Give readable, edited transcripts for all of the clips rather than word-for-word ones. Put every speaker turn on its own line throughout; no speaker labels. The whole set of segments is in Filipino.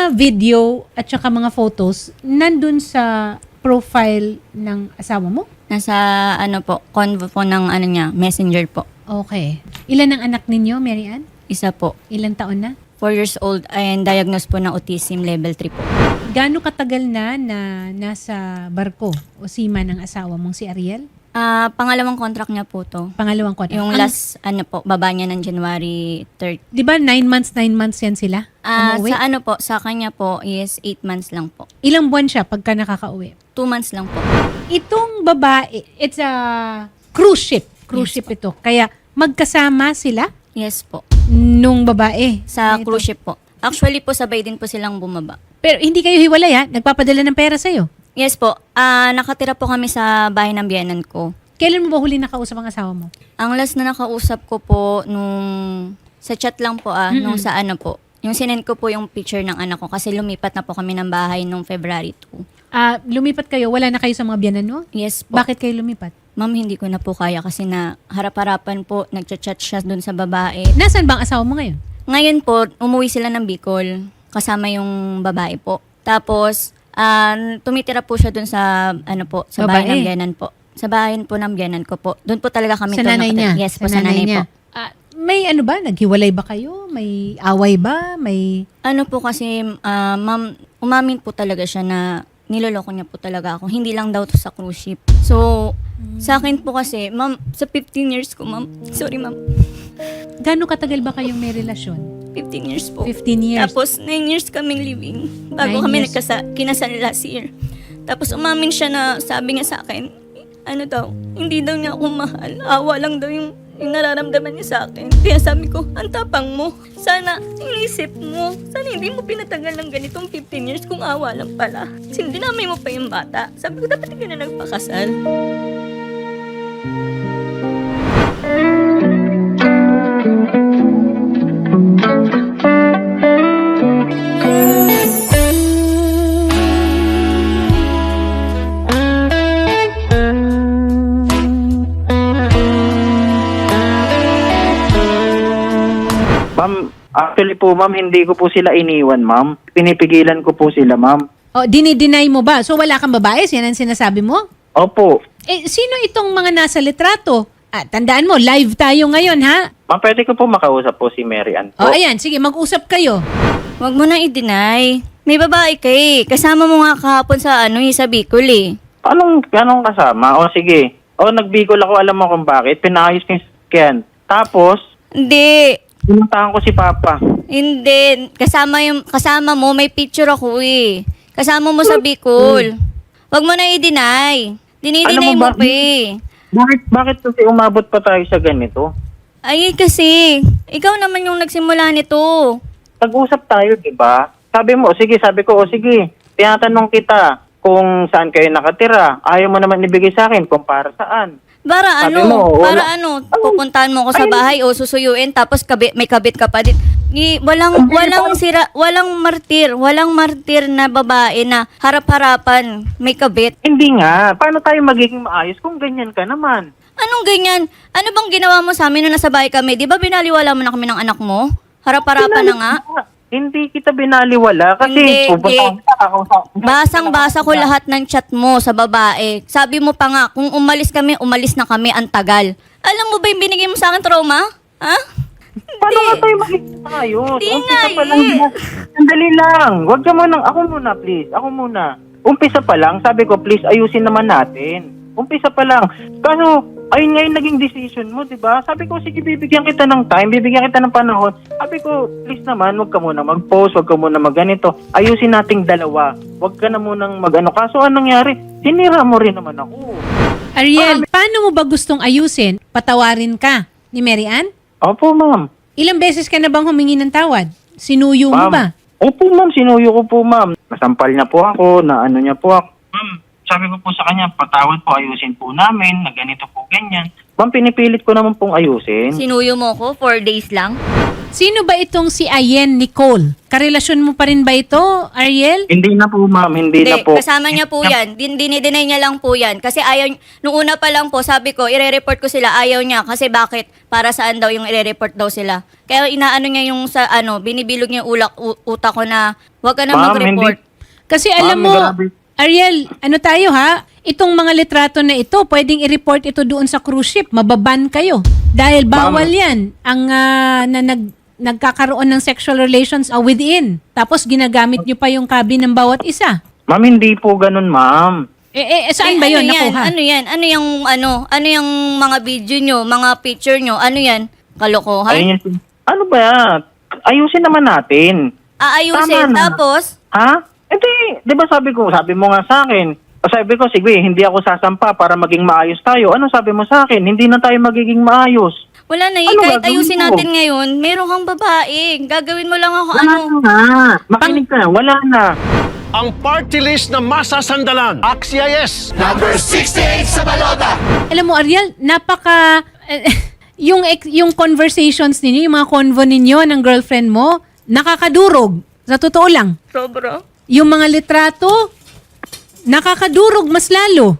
mga video at saka mga photos nandun sa profile ng asawa mo?
Nasa convo po ng niya, messenger po.
Okay. Ilan ang anak ninyo, Mary Ann?
Isa po.
Ilang taon na?
4 years old and diagnosed po ng autism level 3 po.
Gaano katagal na nasa barko o seaman ng asawa mong si Ariel?
Pangalawang contract niya po to.
Pangalawang contract.
Yung last, baba niya ng January 3rd.
Di ba 9 months yan sila? Umuwi?
Sa kanya po is 8 months lang po.
Ilang buwan siya pagka nakakauwi?
2 months lang po.
Itong babae, it's a cruise ship. Cruise ship ito. Kaya magkasama sila
Yes po.
nung babae.
Sa
Ito.
cruise ship po. Actually po, sabay din po silang bumaba.
Pero hindi kayo hiwalay ha? Nagpapadala ng pera sa'yo.
Yes po. Nakatira po kami sa bahay ng biyanan ko.
Kailan mo ba huli nakausap ang asawa mo?
Ang last na nakausap ko po sa chat lang po nung sa po. Yung sinend ko po yung picture ng anak ko kasi lumipat na po kami ng bahay nung February 2.
Lumipat kayo, wala na kayo sa mga biyanan mo?
Yes po.
Bakit kayo lumipat?
Ma'am, hindi ko na po kaya kasi na harap-harapan po, nagchat-chat siya dun sa babae.
Nasaan ba ang asawa mo ngayon?
Ngayon po, umuwi sila ng Bicol kasama yung babae po. Tapos, tumitira po siya dun sa, sa bahay
Babae?
ng biyanan po. Sa bahay po ng biyanan ko po. Doon po talaga kami
Sa nanay niya?
Yes po, sa nanay po.
May naghiwalay ba kayo? May away ba? May...
Po kasi, ma'am, umamin po talaga siya na niloloko niya po talaga ako. Hindi lang daw to sa cruise ship. So, sa akin po kasi, ma'am, sa 15 years ko, ma'am. Sorry, ma'am.
Gaano katagal ba kayong may relasyon?
15 years po.
15 years.
Tapos, 9 years kaming living.
9
Bago kami
years.
kinasal last year. Tapos, umamin siya na sabi niya sa akin, hindi daw niya ako mahal. Awa lang daw yung nararamdaman niya sa akin. Kaya sabi ko, ang tapang mo. Sana, inisip mo. Sana hindi mo pinatagal ng ganitong 15 years kung awa lang pala. Kasi dinamay mo pa yung bata. Sabi ko, dapat hindi ka na nagpakasal.
Ma'am, actually po ma'am, hindi ko po sila iniwan ma'am. Pinipigilan ko po sila ma'am.
Dinideny mo ba? So wala kang babae? Yan ang sinasabi mo?
Opo.
Sino itong mga nasa litrato? Tandaan mo, live tayo ngayon ha?
Ma'am, pwede ko po makausap po si Mary Ann po.
Ayan, sige, mag-usap kayo.
Huwag mo na i-deny. May babae ka eh. Kasama mo nga kahapon sa sa Bicol eh.
Anong kasama? O sige. Nagbigol ako, alam mo kung bakit. Pinayos ko yung skin. Tapos,
Hindi.
pinuntahan ko si Papa.
Hindi. Kasama mo, may picture ako eh. Kasama mo sa Bicol. Huwag mo na i-deny. Dinideny
Alam mo
mo
ba-
pa eh.
Bakit kasi umabot pa tayo sa ganito?
Ay, kasi, ikaw naman yung nagsimula nito.
Pag-usap tayo, di ba? Sabi mo, sabi ko, sige, tinatanong kita kung saan kayo nakatira. Ayaw mo naman ibigay sa akin kung para saan.
Para
Sabi mo, wala-
pupuntahan mo ko sa bahay o susuyuin tapos may kabit ka pa din. Walang martir na babae na harap-harapan may kabit.
Hindi nga. Paano tayo magiging maayos kung ganyan ka naman?
Anong ganyan? Ano bang ginawa mo sa amin nung nasa bahay kami? Di ba binaliwala mo na kami ng anak mo? Harap-harapan na nga.
Hindi kita binaliwala kasi
Hindi. Basang-basa ko
lahat.
lahat ng chat mo sa babae. Sabi mo pa nga, kung umalis na kami, ang tagal. Alam mo ba yung binigay mo sa akin trauma? Ha?
Paano nga tayo magiging maayos?
Hindi
Umpisa
nga
pa lang.
eh.
Sandali lang. Huwag ka munang, ako muna please. Ako muna. Umpisa pa lang, sabi ko please ayusin naman natin. Umpisa pa lang. Kaso, ayun nga yung naging decision mo, di ba? Sabi ko, sige, bibigyan kita ng time, bibigyan kita ng panahon. Sabi ko, please naman, huwag ka muna mag-post, huwag ka muna mag-ganito. Ayusin nating dalawa. Huwag ka na munang mag-ano. Kaso, anong nangyari? Sinira mo rin naman ako.
Ariel, paano mo ba gustong ayusin? Patawarin ka ni Mary Ann?
Opo, ma'am.
Ilang beses ka na bang humingi ng tawad? Sinuyo mo ba?
Opo, ma'am. Sinuyo ko po, ma'am. Nasampal niya po ako, na ano niya po ako. Ma'am, sabi ko po sa kanya, patawad po, ayusin po namin, na ganito po, ganyan. Ma'am, pinipilit ko naman pong ayusin.
Sinuyo mo ko 4 days lang?
Sino ba itong si Ayen Nicole? Karelasyon mo pa rin ba ito, Ariel?
Hindi na po, ma'am. Hindi na po.
kasama niya po yan. Dinideny niya lang po yan. Kasi ayaw, nung una pa lang po, sabi ko, ire-report ko sila. Ayaw niya. Kasi bakit? Para saan daw yung ire-report daw sila. Kaya inaano niya yung sa, binibilog niya yung utak ko na, wag ka na
Ma'am,
mag-report.
Kasi alam
Ma'am,
mo,
grabe.
Ariel, ano tayo ha? Itong mga litrato na ito, pwedeng i-report ito doon sa cruise ship. Mababan kayo. Dahil bawal yan ang nagkakaroon ng sexual relations within. Tapos ginagamit nyo pa yung cabin ng bawat isa.
Ma'am, hindi po ganun, ma'am.
Saan ba yun nakuha?
Ano yan? Ano yung mga video nyo, mga picture nyo? Ano yan? Kalokohan?
Ayun yun. Ano ba yan? Ayusin naman natin.
Aayusin.
Tama na.
Tapos,
Ha? Di ba sabi mo nga sa akin, sabi ko, sige, hindi ako sasampa para maging maayos tayo. Ano sabi mo sa akin? Hindi na tayo magiging maayos.
wala na
Ano
kahit
gagawin
ayusin
mo?
natin ngayon, meron kang babae. Gagawin mo lang ako
Wala na. Makinig ka, wala na.
Ang party list na masasandalan. Axia yes!
Alam mo, Ariel, napaka... yung conversations ninyo, yung mga convo ninyo ng girlfriend mo, nakakadurog. Sa totoo lang.
Sobra.
Yung mga litrato, nakakadurog mas lalo.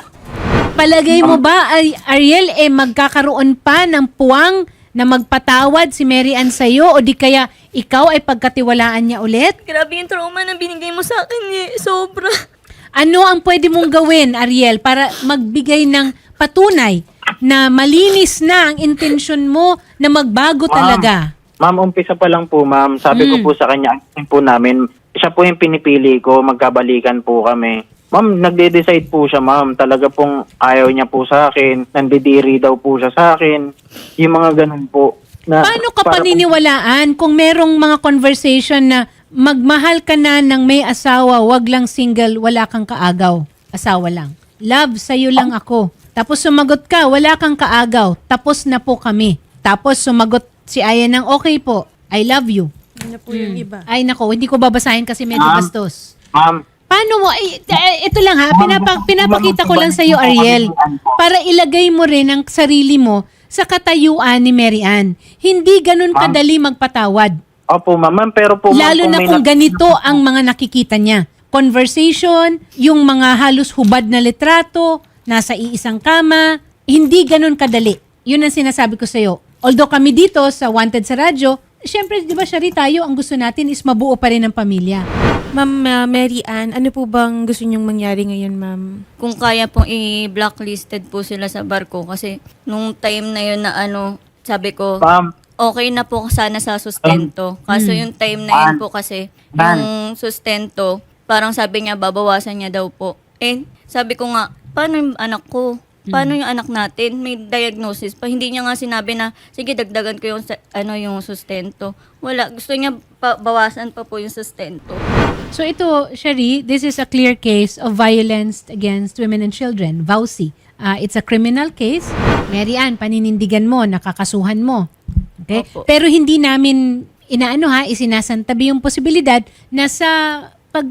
Palagay mo ba, Ariel, magkakaroon pa ng puwang na magpatawad si Mary Ann sa'yo o di kaya ikaw ay pagkatiwalaan niya ulit?
Grabe yung trauma na binigay mo sa akin Sobra.
Ano ang pwede mong gawin, Ariel, para magbigay ng patunay na malinis na ang intensyon mo na magbago talaga?
Ma'am, umpisa pa lang po, ma'am. Sabi ko po sa kanya, ang po namin, siya po yung pinipili ko, magkabalikan po kami. Ma'am, nagde-decide po siya, ma'am. Talaga pong ayaw niya po sa akin. Nandidiri daw po siya sa akin. Yung mga ganun po. Na,
Paano ka
para
paniniwalaan kung merong mga conversation na magmahal ka na ng may asawa, wag lang single, wala kang kaagaw, asawa lang. Love, sa'yo lang ako. Tapos sumagot ka, wala kang kaagaw, tapos na po kami. Tapos sumagot si Aya ng okay po, I love you.
Ano po yung iba?
Ay nako, hindi ko babasahin kasi medyo
Ma'am.
bastos.
Ma'am,
Paano mo, ito lang ha, pinapakita ko lang sa'yo, Ariel, para ilagay mo rin ang sarili mo sa katayuan ni Mary Ann. Hindi ganun kadali magpatawad.
opo, ma'am. Pero po, ma'am,
Lalo na
may
kung ganito ang mga nakikita niya. Conversation, yung mga halos hubad na litrato, nasa iisang kama, hindi ganun kadali. Yun ang sinasabi ko sa'yo. Although kami dito sa Wanted sa Radyo, syempre, di ba, Shari, tayo, ang gusto natin is mabuo pa rin ang pamilya.
Ma'am Mary Ann, ano po bang gusto niyong mangyari ngayon, ma'am?
Kung kaya pong i-blacklisted po sila sa barko kasi nung time na yun na sabi ko,
Ma'am,
okay na po sana sa sustento. Kaso yung time na yun po kasi, yung sustento, parang sabi niya, babawasan niya daw po. Sabi ko nga, paano yung anak ko? Paano yung anak natin? May diagnosis pa. Hindi niya nga sinabi na, sige, dagdagan ko yung, yung sustento. Wala. Gusto niya bawasan pa po yung sustento.
So ito, Shari, this is a clear case of violence against women and children, VAUSI. It's a criminal case. Mary Ann, paninindigan mo, nakakasuhan mo. Okay?
Opo.
Pero hindi namin isinasantabi yung posibilidad na sa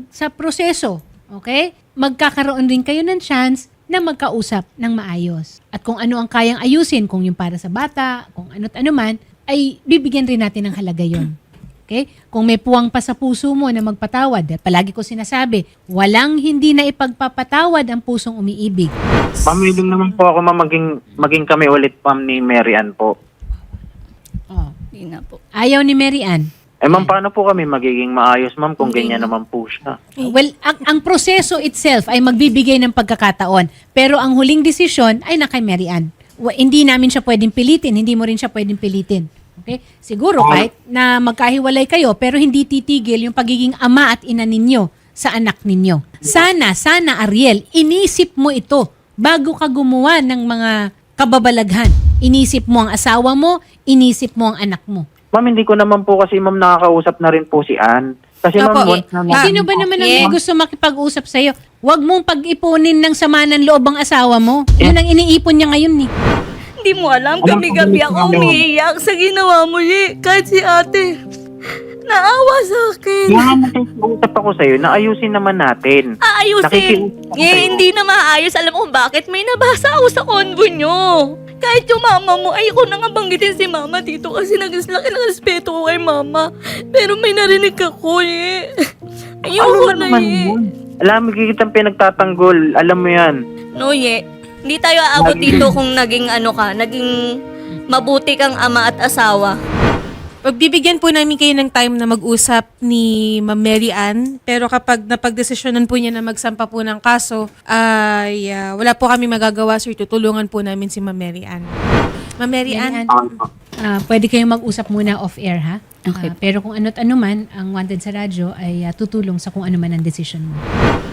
proseso, okay? Magkakaroon rin kayo ng chance na magkausap ng maayos. At kung ano ang kayang ayusin, kung yung para sa bata, kung ano't ano man, ay bibigyan rin natin ng halaga yon. Okay? Kung may puwang pa sa puso mo na magpatawad, palagi ko sinasabi, walang hindi na ipagpapatawad ang pusong umiibig.
ma'am, willing naman po ako, ma'am, maging kami ulit, ma'am, ni Mary Ann po.
Oh.
Hindi na po.
Ayaw ni Mary Ann.
Ma'am, paano po kami magiging maayos, ma'am, kung ganyan naman po siya?
Well, ang proseso itself ay magbibigay ng pagkakataon. Pero ang huling desisyon ay na kay Mary Ann. Hindi namin siya pwedeng pilitin. Hindi mo rin siya pwedeng pilitin. Okay? Siguro kahit na magkahiwalay kayo, pero hindi titigil yung pagiging ama at ina ninyo sa anak ninyo. Sana, Ariel, inisip mo ito bago ka gumawa ng mga kababalaghan. Inisip mo ang asawa mo, inisip mo ang anak mo.
Ma'am, hindi ko naman po kasi, ma'am, nakakausap na rin po si Ann. Kasi, ma'am, once na
Sino ba naman ang may gusto makipag-usap sa'yo? Huwag mong pag-ipunin ng sama ng loob ang asawa mo. Yun ang iniipon niya ngayon, eh.
Hindi mo alam, gabi-gabi ako umiiyak sa ginawa mo, Kahit si ate, naawa sa akin.
Kaya nga nakikiusap ako sa'yo na ayusin naman natin.
Aayusin.
Nakikiusap ako sa'yo.
Hindi na maayos. Alam mo kung bakit? May nabasa ako sa convo nyo. Kahit yung mama mo, ayoko na nga banggitin si mama dito kasi nagslaki ng respeto ko kay mama. Pero may narinig ako eh. Ayoko
Ano
na
naman
eh.
yun? Alam mo, kitang pinagtatanggol. Alam mo yan.
Noye, hindi tayo aabot dito kung naging naging mabuti kang ama at asawa.
Pagbibigyan po namin kayo ng time na mag-usap ni Ma'am Mary Ann, pero kapag napagdesisyonan po niya na magsampa po ng kaso, ay wala po kami magagawa, sir. Tutulungan po namin si Ma'am Mary Ann. Ma'am Mary Ann,
Pwede kayong mag-usap muna off-air, ha? Pero kung ano't ano man, ang Wanted sa radyo ay tutulong sa kung ano man ang decision mo.